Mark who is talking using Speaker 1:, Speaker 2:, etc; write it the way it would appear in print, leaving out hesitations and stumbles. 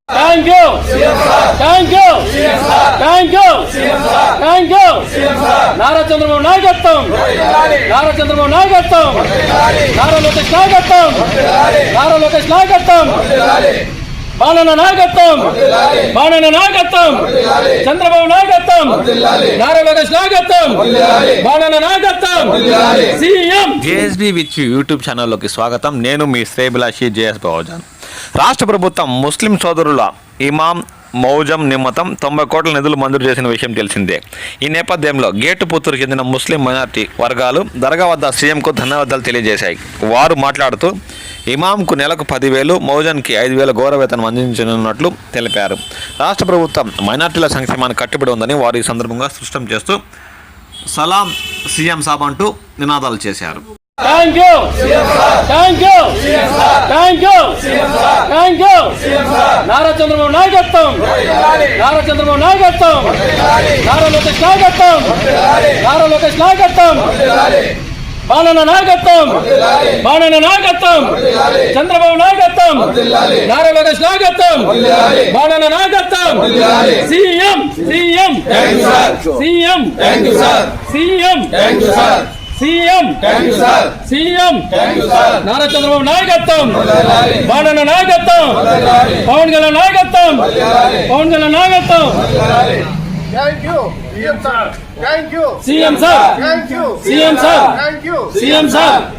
Speaker 1: Thank you. Thank you. Thank you. Thank you. Nara Chandrababu నాయకత్వం. నారా చంద్రబాబు నాయకత్వం. నారా లోకేష్ నాయకత్వం. నారా లోకేష్ నాయకత్వం. బాణన నాయకత్వం. బాణన నాయకత్వం. చంద్రబాబు నాయకత్వం. నారా లోకేష్ నాయకత్వం. బాణన నాయకత్వం. సీఎం.
Speaker 2: జేఎస్బీ విత్ యూట్యూబ్ ఛానల్లోకి స్వాగతం. నేను మీ శ్రేయభిలాషి జేఎస్ బహుజన్. రాష్ట్ర ప్రభుత్వం ముస్లిం సోదరుల ఇమాం మౌజం నిమ్మతం 90 కోట్ల నిధులు మంజూరు చేసిన విషయం తెలిసిందే. ఈ నేపథ్యంలో గేటుపుత్తూరు చెందిన ముస్లిం మైనార్టీ వర్గాలు దర్గా వద్ద సీఎంకు ధన్యవాదాలు తెలియజేశాయి. వారు మాట్లాడుతూ ఇమాంకు నెలకు 10,000, మౌజన్కి 5,000 గౌరవ వేతనం అందించనున్నట్లు తెలిపారు. రాష్ట్ర ప్రభుత్వం మైనార్టీల సంక్షేమానికి కట్టుబడి ఉందని వారు ఈ సందర్భంగా స్పష్టం చేస్తూ సలాం సీఎం సాబ్ అంటూ నినాదాలు చేశారు.
Speaker 1: Thank you. Thank you. Thank you. Thank you. Nara Chandrababu నాయకత్వం. నారా చంద్రబాబు నాయకత్వం. నారా లోకేష్ నాయకత్వం. నారా లోకేష్ నాయకత్వం. బాణన నాయకత్వం. బాణన నాయకత్వం. చంద్రబాబు నాయకత్వం. నారా లోకేష్ నాయకత్వం. బాణన నాయకత్వం. CM. CM. CM. CM. CM. CM. Nara Chandrababu నాయకత్వం. బాణన నాయకత్వం. పవన్ కళ్యాణ్ నాయకత్వం. పవన్ కళ్యాణ్ నాయకత్వం.
Speaker 3: Thank you, CM sir. Thank you.
Speaker 1: CM sir.
Speaker 3: Thank you.
Speaker 1: CM sir.
Speaker 3: Thank you.
Speaker 1: CM sir.